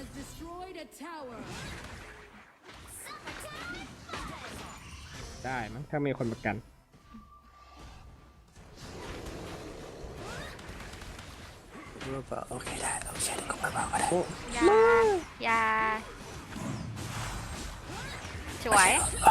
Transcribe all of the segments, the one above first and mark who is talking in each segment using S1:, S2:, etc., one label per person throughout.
S1: ได้มั้งถ้ามีคนประกัน
S2: โอเคได้เราใช้ก็เบาๆก็ได้
S3: ยาสวย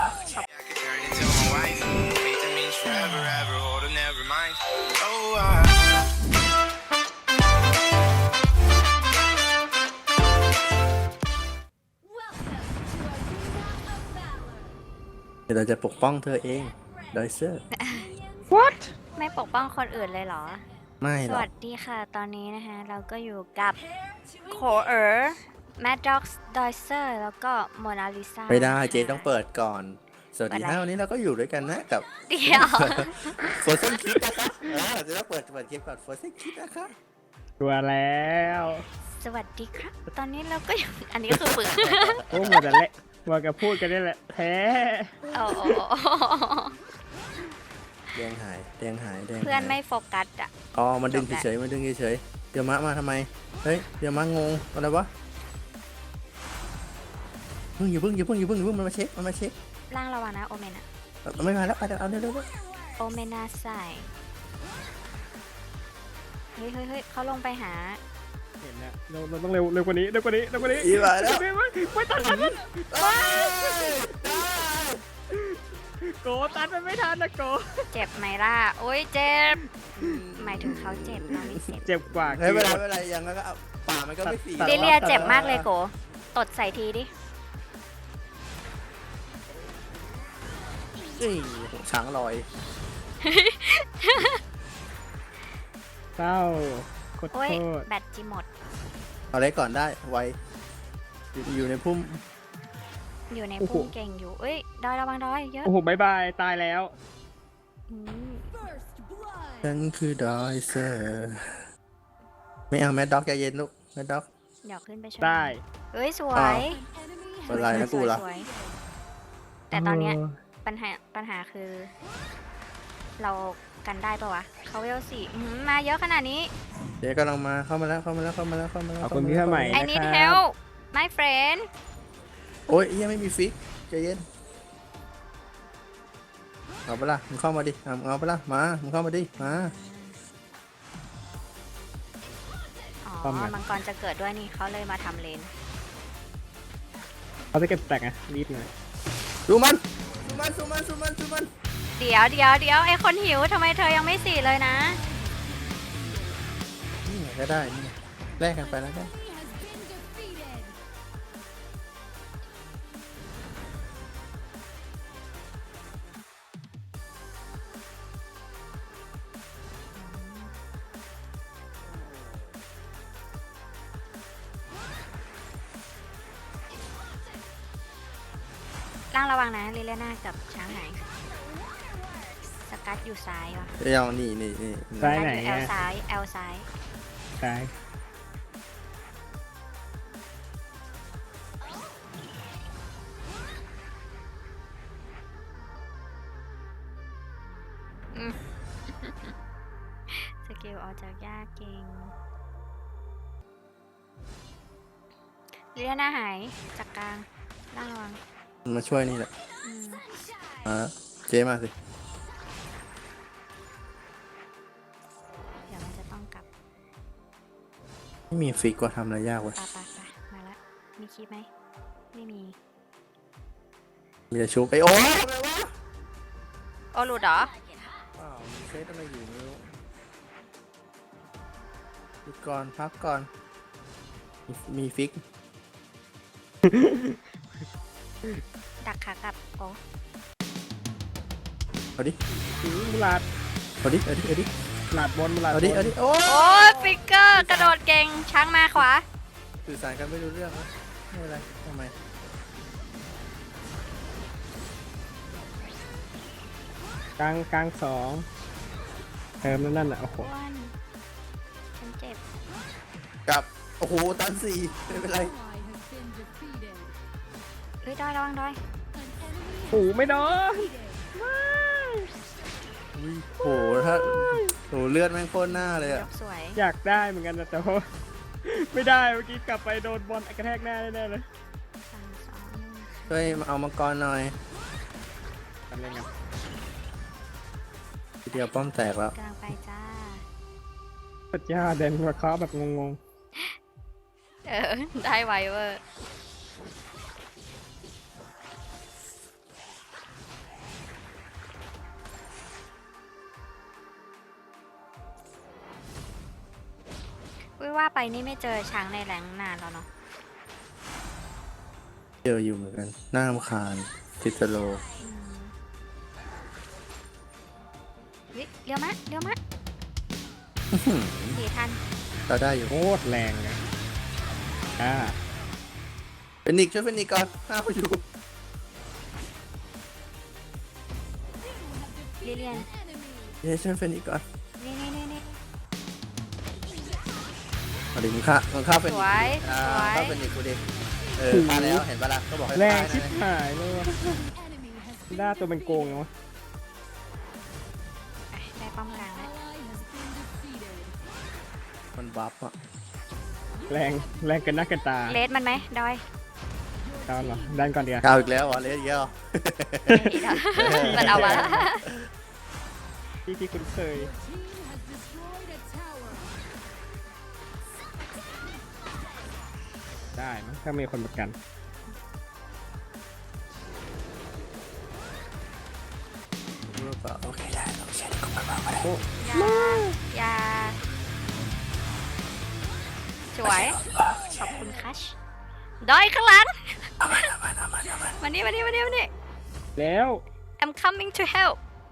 S2: เดี๋ยวเราจะปกป้องเธอเองดอยเซอร์
S1: What
S3: ไม่ปกป้องคนอื่นเลยเหรอ
S2: ไม่
S3: ส
S2: หรอก
S3: วัสดีค่ะ ตอนนี้นะคะเราก็อยู่กับโคแมดด็อกซ์ดอยเซอร์แล้วก็โมนาลิซา
S2: ไม่ได้เจต้องเปิดก่อน สวัสดี
S3: เปิดอะไร
S2: ฮะวันนี้เราก็อยู่ด้วยกันนะกับ
S3: เดี๋ยว
S2: โฟร์เซนคิดนะคะจะต้องเปิดคลิปก่อนโฟร์เซนคิดนะคะ
S1: ตัวแล้ว
S3: สวัสดีครับ ตอนนี้เราก็อยู่ อันนี้คือฝึก
S1: โอ้หมดแต่เละหมดกับพูดกันนี่แหละแพ้
S3: โอ้โห
S2: แดงหายแดงหายแดงหาย
S3: เพื่อนไม่โฟกัสอ่ะ
S2: อ๋อมันดึงเฉยๆมันดึงเฉยๆเดี๋ยวมะมาทำไมเฮ้ยเดี๋ยวมะงงอะไรวะอย่าเพิ่งมันมาเช็ค
S3: ล่างระวังนะโอเมนอะ
S2: ไม่มาแล้วไปเอาเร็ว
S3: โอเมนาใส่เฮ้ยเขาลงไปหา
S1: เห็นแล้วเราต้องเร็วกว่านี้
S2: อีมาแล้ว
S1: ไม่ตัดมันโกตัดมันไม่ทันนะโก
S3: เจ็บไหมล่ะ โอ้ยเจ็บ หมายถึงเขาเจ็บเราไม่เจ็บ
S1: เจ็บกว่า
S2: ไม่เป็นไรยังแล้วก็เอาป่ามันก็ไม่สี
S3: ดิเลียเจ็บมากเลยโกตดใส่ทีดิ
S2: ช้างลอย
S1: เศร้าขอโท
S3: โอ้ย
S1: ษ
S3: แบตจีหมด
S2: เอาเล็กก่อนได้ไวอยู่ในพุ่ม
S3: อยู่ในพุ่งเก่งอยู่ เอ้ย ดอยระวังดอยเยอะ
S1: โอ้โหบายบายตายแล้ว
S3: อืม
S2: ฉันคือดอยเซอร์ไม่เอาแมดด็อกใจเย็นลูกแมดด็อก
S3: เดี๋ยวขึ้นไปช่วย
S1: ได้
S3: เอ้ย สวย
S2: เป็นไรนะกูล่ะ
S3: สวยแต่ตอนเนี้ยปัญหาคือ เรากันได้ปะวะเขาเวลสี่มาเยอะขนาดนี้
S2: เดี๋ยวกำลังมาเข้ามาแล้ว
S1: ขอบคุณพี่ใหม่
S3: I need help my friend
S2: โอ้ยยังไม่มีฟิกใจเย็นเอาไปละมึงเข้ามาดิเอาไปละมามึงเข้ามาดิมา
S3: อ๋อ มังกรจะเกิดด้วยนี่เขาเลยมาทำเลน
S1: เขาจะเก็บแตกอะรีบหน่อย
S2: ดูมัน
S3: เดี๋ยวไอคนหิวทำไมเธอยังไม่สี่เลยนะ
S2: นี่ก็ได้นี่แลกกันไปแล้วกัน
S3: ล่างระวังนะลิเลน่ากับช้างไหนสกัดอยู่ซ้ายวะ
S2: เดี๋ยวนี่
S1: ซ้ายไหน
S3: แอล
S1: อะ
S3: ซ้ายแอลซ้าย
S1: ซ้าย
S3: สกิลออกจากยากเก่งลิเลน่าหายจากกลางล่างระวัง
S2: มาช่วยนี่แหละ
S3: อืม
S2: มาเจ๊มาสิ
S3: เดี๋ยวมันจะต้องกลับ
S2: ไม่มีฟิกว่าทำอะไรยากวะ
S3: ไปมาแล้วมีคลิปไหมไม่มี
S2: มีแต่ชุบไอโอ้ยทำไมวะ
S3: โอ้หลุดเหรอ
S2: ว้าวมีเซตอะไรอยู่ไม่รู้หยุดก่อนพักก่อนมีฟิก
S3: ดักขากลับโอ้
S2: เอาดิ
S1: มุลาด
S2: เอาดิ
S1: หลาดบนมุลาด
S2: เอาดิ
S1: บน
S2: โอ้
S3: โอ้ฟิกเกอร์กระโดดเก่งช้างมาขวา
S2: สื่อสารกันไม่รู้เรื่องนะไม่เป็นไรทำไม
S1: กลางสองเติมนั่นแหละโอ้โห
S3: อ้วนฉันเจ็บ
S2: กลับโอ้โหตันสี่ไม่เป็นไร
S3: เฮ้ยดอยระวังดอย
S1: โอ้โหไม่โดน
S2: โอ้โหถ้าโอ้โหเลือดแม่งโคตรหน้าเลย
S3: ย
S2: อะ
S3: กสวย
S1: อยากได้เหมือนกันนะแต่ว่าไม่ได้เมื่อกี้กลับไปโดนบอลกระแทกหน้าแน่ๆเลย
S2: ช่วยมาเอามังกรหน่อย
S1: ทำเล่นกัน
S2: ทีเดียวป้อมแตกแล้ว
S3: กำลังไปจ้า
S1: สุดยอดเดนหัวเคาะแบบงง
S3: ได้ไวเวอร์ว่าไปนี่ไม่เจอช้างในแหล่งนานแล้วเนาะ
S2: เจออยู่เหมือนกันน่ารำคาญติดสโลว์
S3: วิเลี้ยวมะสีทัน
S2: เราได้อยู่
S1: ๆโคตรแรงเลยอ่า
S2: เป็นนิกช่วยเป็นนิกก่อนห้าเขาอยู่
S3: ลิเลียน
S2: เย้ช่วยเป็นนิกก่อน
S3: นี่
S2: เอาดิมึงฆ่าเป็น
S3: ส
S2: นิก
S3: วย
S2: อ่า
S3: สวย
S2: ฆ่าเป็นนิกกูดิฆ่าแล้วเห็นปะล่ะก็บอกให้
S1: แรง
S2: ฆ่า
S1: ชิบ
S2: นะ
S1: หายเลยว่ะหน้าตัวเป็นโกงเลยวะ
S3: ได้ป้อมกลางแล้ว
S2: มันบัฟอ่ะ
S1: แรงเกินหน้าเกินตา
S3: เลสมันไหมดอย
S1: ตอนเหรอดันก่อนดีกว่า
S2: ก้าวอีกแล้วเหรอเลสอีกแล้วเหรอ
S3: อีกแล้วมันเอามาแล้ว
S1: ที่คุ้นเคยได้มั้งถ้ามีคนประกัน
S2: รู้ป่ะโอเคได้เราใช้ก็มาได้
S1: โอ้
S3: ยาสวย ขอบคุณคัชดอยข้างหลังมานี่
S1: แล้ว
S3: I'm coming to help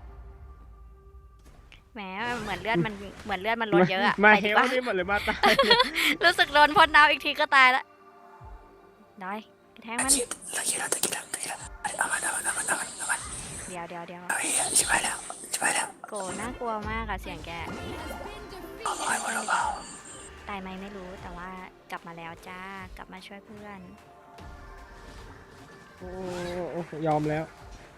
S3: แหมเหมือนเลือดมันลดเยอะอะ
S1: มา
S3: ไป
S1: เฮ
S3: ดี
S1: ล
S3: กว่า
S1: นี่หมดเลยมาตายเนี่ย
S3: รู้สึกโดนพ่นน้ำอีกทีก็ตายแล้วดอยกระแทงมัน
S2: เราคิดแล้วเอามัน
S3: เดี๋ยว
S2: เอาอีกชิบหายแล้ว
S3: โกน่ากลัวมากอะเสียงแก
S2: เอาไว้เบา
S3: ตายไหมไม่รู้แต่ว่ากลับมาแล้วจ้ากลับมาช่วยเพื่อน
S1: โอ้ยอมแล้ว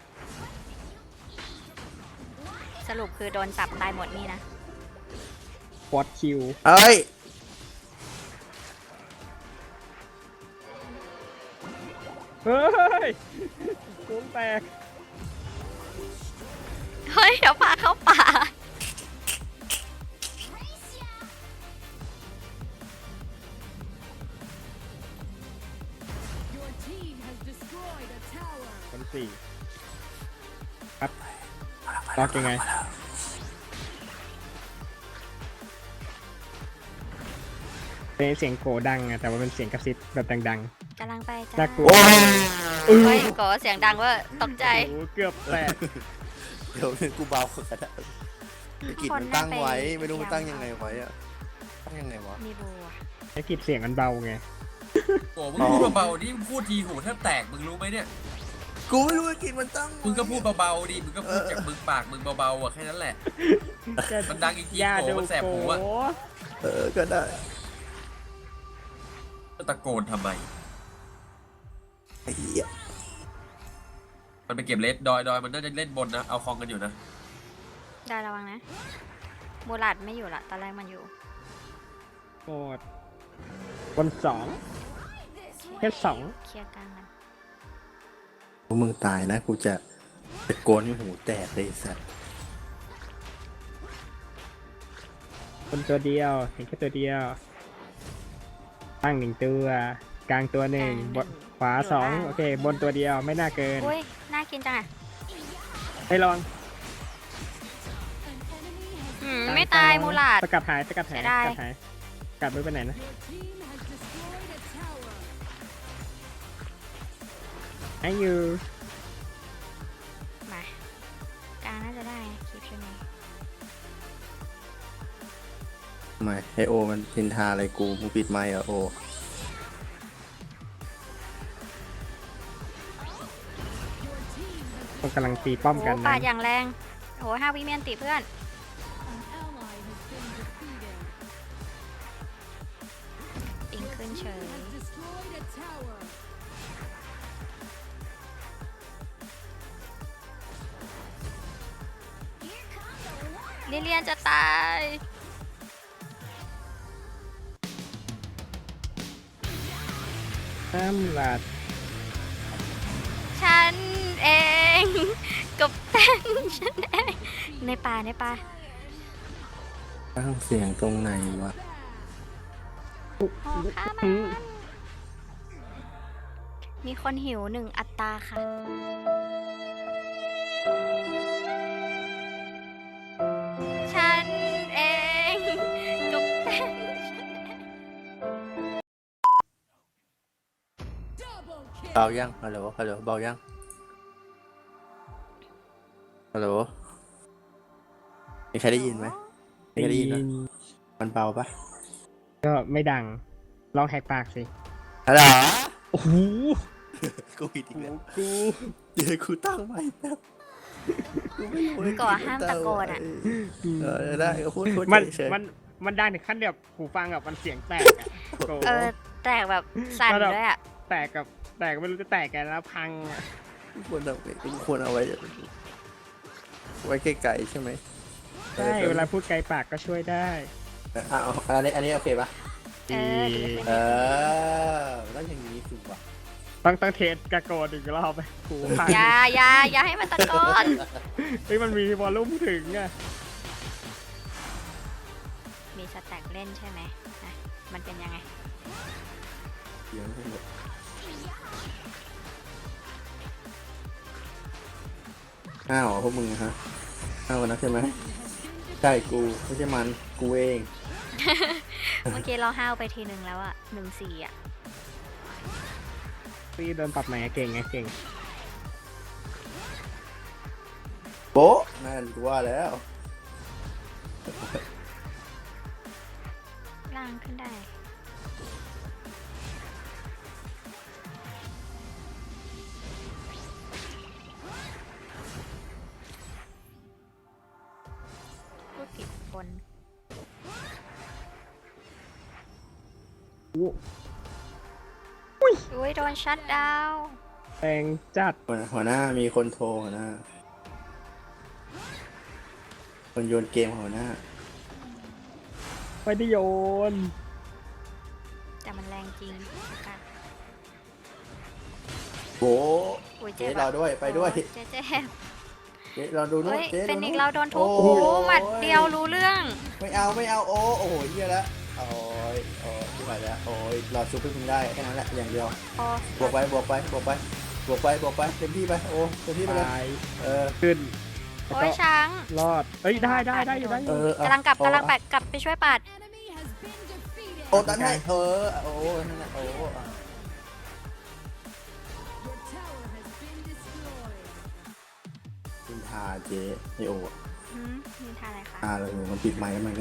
S3: สรุปคือโดนสับตายหมดนี่นะ
S1: ฟอดคิว
S2: เอ้ย
S1: เฮ้ยโกงแตก
S3: เฮ้ย เดี๋ยวพาเข้าป่า
S1: คนสี่ครับล็อกยังไงเป็นเสียงโกดังอะแต่ว่าเป็นเสียงกระซิบแบบดัง
S3: กำลังไปจ้า
S1: น่ากลัว
S2: โอ้ย
S3: เฮ้ยโกเสียงดังเว่าตกใจ
S1: โอ้เกือบแตก
S2: เดี๋ยวกูเบาก็ได้กิจมันตั้งไว้ไม่รู้มันตั้งยังไงไว้อะตั้งยังไงวะ
S3: มีบัว
S1: ไอ้กิดเสียงมันเบาไง
S4: โอ้มึงพูดเบาๆดิมึงพูดทีหูแทบแตกมึงรู้ไหมเนี่ย
S2: กูไม่รู้ว่ากิจมันตั้ง
S4: มึงก็พูดเบาๆดิมึงก็พูดจากมึงปากมึงเบาๆอ่ะแค่นั้นแหละ มันดังอีกที
S1: อย่า
S4: โก
S1: ดู
S4: มันแสบหูอะ
S1: โก
S2: ก็ได้
S4: ตะโกนทำไม
S2: ไอ้เหี้ย
S4: มันไปเก็บเลสดอยมันน่าจะเล่นบนนะเอาคลองกันอยู่นะ
S3: ได้ระวังนะบูลัดไม่อยู่ละตอนแรกมันอยู่
S1: โกดบนสองแค่สอง
S3: เคลียร์กลางกัน
S2: พวกมึงตายนะกูจะตะโกนให้หูแตกเลยไอ้สัส
S1: บนตัวเดียวเห็นแค่ตัวเดียวตั้งหนึ่งตัวกลางตัวหนึ่งบนขวาสองโอเค บนตัวเดียวไม่น่าเกิน
S3: อุ้ย น่ากินจังอะ
S1: ให้ลอง
S3: ไม่ตายมูลัด
S1: สกัดหายสกัดหาย
S3: เสียดาย
S1: สกัดหายกลับไม่ไปไหนนะไอ้ยู
S3: มากลางน่าจะได้คลิปช่วยไหม
S2: ทำไมไอโอมันพินทาอะไรกูมึงปิดไมค์เหรอโอ
S1: ต้องกำลังตีป้อม
S3: โอ้
S1: กัน
S3: ปา
S1: นะ
S3: ดอย่างแรงโอ้5 วิเมียนติเพื่อน ปิงขึ้นเฉย ลิเลียนจะตาย
S1: น้ำหลัด
S3: ฉันเองกับแป้งฉันเองในป่า
S2: ตั้งเสียงตรงไหนวะ
S3: โอ้ข้ามันมีคนหิว1 อัตราค่ะ ฉันเองกับแป้งฉันเอง
S2: เบายังฮัลโหลเบายังฮัลโหลมีใครได้ยินไหมมีใครได้ยินไหมมันเบาปะ
S1: ก็ไม่ดัง ลองแหกปากสิ
S2: ฮัลโหล
S1: โอ้โห
S2: กูผิดอีกแล้ว
S1: กู
S2: เดี๋ยวกูตั้งใหม่แป๊บกูไม่รู้เลย
S3: ก่อห้ามตะโกนอะ
S2: ได้ก็พูด
S1: มัน
S2: เฉย
S1: มันดังถึงขั้นแบบหูฟังแบบมันเสียงแตกอะโอ้โห
S3: แตกแบบสั่นด้วยอ่ะ
S1: แตกไม่รู้จะแตกกันแล้วพังอะ
S2: ควรเอาไว้ไกลๆใช่ไหม
S1: ใช่เวลาพูดไกลปากก็ช่วยได้
S2: อันนี้โอเคปะ
S3: เออดีขึ้น
S2: แล้วอย่างนี้ถูกปะ
S1: ต้องเทสกระโกนอีกรอบไปหูพัง
S3: อย่าให้มันตะโกน
S1: เฮ้ยมันมีวอลลุ่มถึงอะ
S3: มีสแต็กเล่นใช่ไหมนะมันเป็นยังไง
S2: เดี๋ยวให้หมดอ้าวพวกมึงฮะอ้าวนะใช่ไหมใช่กูไม่ใช่มันกูเอง
S3: เมื่อกี้เราห้าวไปทีนึงแล้วอ่ะ1-4อ่ะ
S1: พี่โดนปรับใหม่อะเก่งไงเก่ง
S2: โป๊ะนั่นกูว่าแล้ว
S3: ล่างขึ้นได้พูดผิดคน อุ้ยโดนชัดดาวน์
S1: แรงจัด
S2: หัวหน้ามีคนโทรหัวหน้าคนโยนเกมหัวหน้า
S1: ไม่ได้โยน
S3: แต่มันแรงจริงกัน
S2: โป๊ะ
S3: อุ้ย
S2: เจ๊
S3: เจ็บ
S2: รอด้วยไปด้วย
S3: เจ๊
S2: เจ๊รอดูนู้
S3: เฮ้
S2: น
S3: ย
S2: เจ๊
S3: เป็น
S2: ดู
S3: อี
S2: นู้
S3: ก
S2: น
S3: เราโดนทุบ
S2: โอ้
S3: โอ้โหหมัดเดียวรู้เรื่อง
S2: ไม่เอาโอ้โหเหี้ยแล้วโอ้ยที่ไหนแล้วโอ้ยรอชุบให้มึงได้แค่นั้นแหละอย่างเดียว
S3: โอ้
S2: บวกไปเต็มที่ไปโอ้เต็มที่ไปเลย
S1: ตาย
S2: เออ
S1: ขึ้นแล้ว
S3: โอ้
S1: ก็
S3: ยช้าง
S1: รอด เอ้ยได้อยู่ได้อยู่
S3: กำลังกลับไปช่วยปัด
S2: โอ้ตันให้โอ้นั่นแหละโอ้นินทาเจ๊ไอโอ
S3: มีท่าอะไรคะ
S2: เลยมันปิดไมค์แล้วมันก็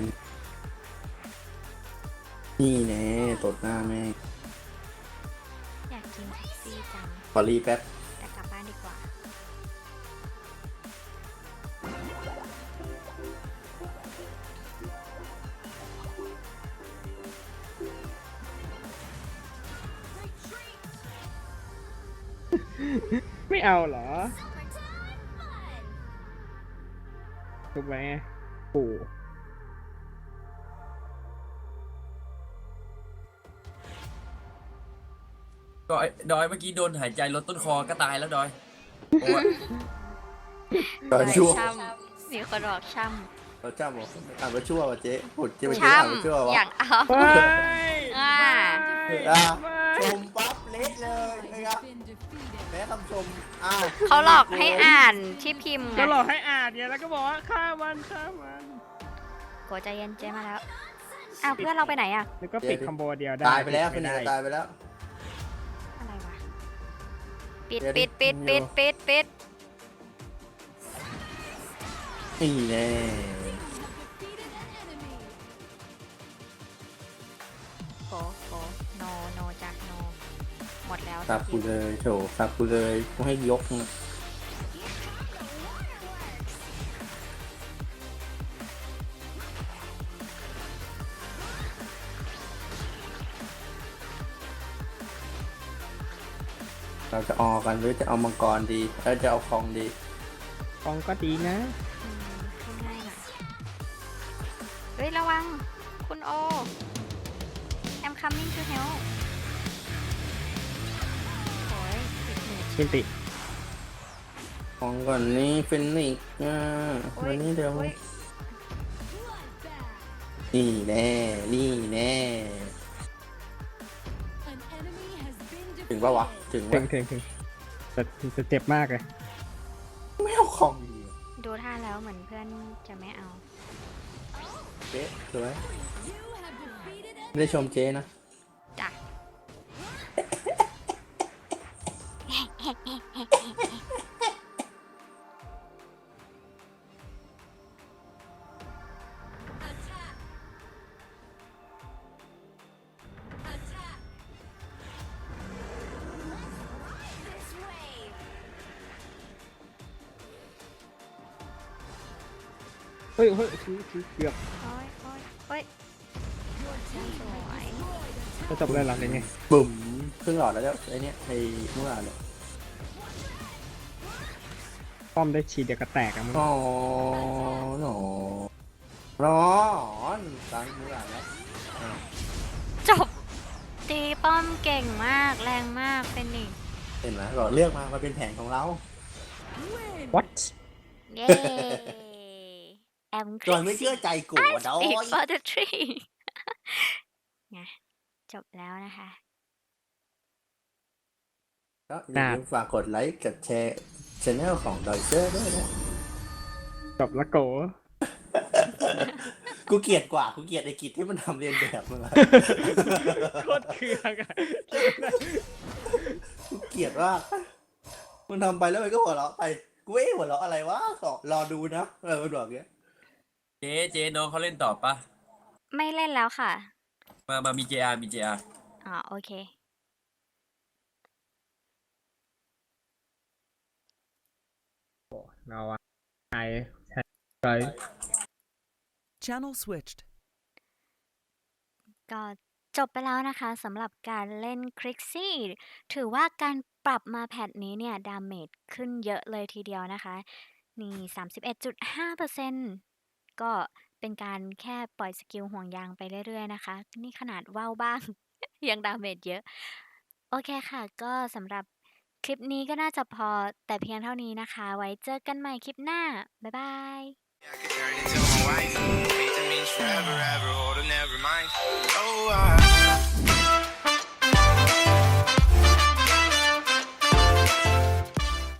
S2: นี่แน่ตดหน้าแม่
S3: อยากกินแท็กซี่จัง
S2: ขอรีแป๊บ
S3: แต่กลับบ้านดีกว่า
S1: ไม่เอาเหรอถูกไหมปู่
S4: ดอยเมื่อกี้โดนหายใจลดต้นคอก็ตายแล้วดอยโอ้ย
S2: ตอนชั่ว
S3: ช่ำมีคนบอกช่
S2: เราจ้าบอกอ่านว่าชั่วว่ะเจ๊พูดเจ๊ไป
S3: ำ
S2: เจ๊อ่านว่าชั่ว
S3: ช่ำ
S2: วะ
S3: อย่างเอา
S1: ไป
S3: อ่า
S2: ชมปั๊บเละเลยนะครับแม้คำชมอ้าว
S3: เขาหลอกให้อ่านที่พิมพ์ไง
S1: ก็หลอกให้อ่านเนี่ยแล้วก็บอกว่าฆ่ามัน
S3: โกใจเย็นเจมาแล้วอ้าวเพื่อนเราไปไหนอะ
S1: แล้วก็ปิดคอมโบเดียวได้
S2: ตายไปแล้ว
S1: ไม่
S2: เป็น
S1: ได้
S2: ตายไปแล้ว
S3: อะไรวะปิด
S2: เดี๋ยว
S3: ปิดปิด
S2: เดี๋
S3: ปิ
S2: ยว
S3: ดปิดปิด
S2: นี่แน่
S3: โกโนจากโนหมดแล้ว
S2: สับกูเลยโถสับกูเลยกูให้ยกนะเราจะออกกันหรือจะเอามังกรดีแล้วจะเอาคองดี
S1: ฟองก็ดีนะ
S3: ขึ้นง่ายหน่อยเฮ้ยระวังคุณโอ I'm coming to help
S1: มินติ
S2: ของก่อนนี้ฟินิกซ์วันนี้เดี๋ยว
S3: โอ้ย
S2: นี่แน่นี่แน่ถึงปะวะถึง
S1: ถึ
S2: วะ
S1: งแต่จะเจ็บมากเลย
S2: ไม่เอาของดี
S3: ดูท่าแล้วเหมือนเพื่อนจะไม่เอา
S2: เจ๊สวยไม่ได้ชมเจ๊นะ
S3: จ้ะ
S1: เฮ้ยเกือบ
S3: โอ้ยโอ้ยโอ้ยสวย
S1: จะจบเลยเหรอเป็นไง
S2: บุ๋มครึ่งหลอดแล้วเนี่ยไอเนี้ยไอเมื่อวานเนี่ย
S1: ป้อมได้ฉีดเดียวก็แตกอะมึง
S2: อ๋อหนอร้อนตังเมื่อวานแล้ว
S3: จบ ตีป้อมเก่งมาก แรงมากเป็นอีก
S2: เห็นไหมเราเลือกมาเป็นแผนของเรา
S1: วัด
S3: เย้ แอมค
S2: จอยไม่เชื่อใจกูอ่ะดอ
S3: อีก
S2: ย
S3: for the tree ไงจบแล้วนะคะ
S2: ก็อย่าลืมฝากกดไลค์กับแชร์channel ของดอยเซอร์ด้วยนะ
S1: จบละโก
S2: กูเกลียดกว่ากูเกลียดไอ้กิจที่มันทำเรียนแบบมึงอะ
S1: โคตรเคืองอะ
S2: กูเกลียดว่ามันทำไปแล้วมันก็หัวเราะไปกูเอ๊ะหัวเราะอะไรวะก็รอดูนะมันบอกอย่างเงี้ย
S4: เจ๊น้องเขาเล่นต่อปะ
S3: ไม่เล่นแล้วค่ะ
S4: มามี JR มี JR
S3: อ๋อ โอเค
S1: เราอะใช่ไป
S5: Channel switched.
S3: ก็จบไปแล้วนะคะสำหรับการเล่นคริกซี่ถือว่าการปรับมาแพทนี้เนี่ย ดาเมจขึ้นเยอะเลยทีเดียวนะคะ นี่ 31.5% ก็เป็นการแค่ปล่อยสกิลห่วงยางไปเรื่อยๆนะคะ นี่ขนาดว่าวบ้าง ยังดาเมจเยอะ โอเคค่ะ ก็สำหรับคลิปนี้ก็น่าจะพอแต่เพียงเท่านี้นะคะ ไว้เจอกันใหม่คลิปหน้า บ๊ายบาย
S6: I could turn into my wife. Hate that means forever, ever, hold her, never mind. Oh,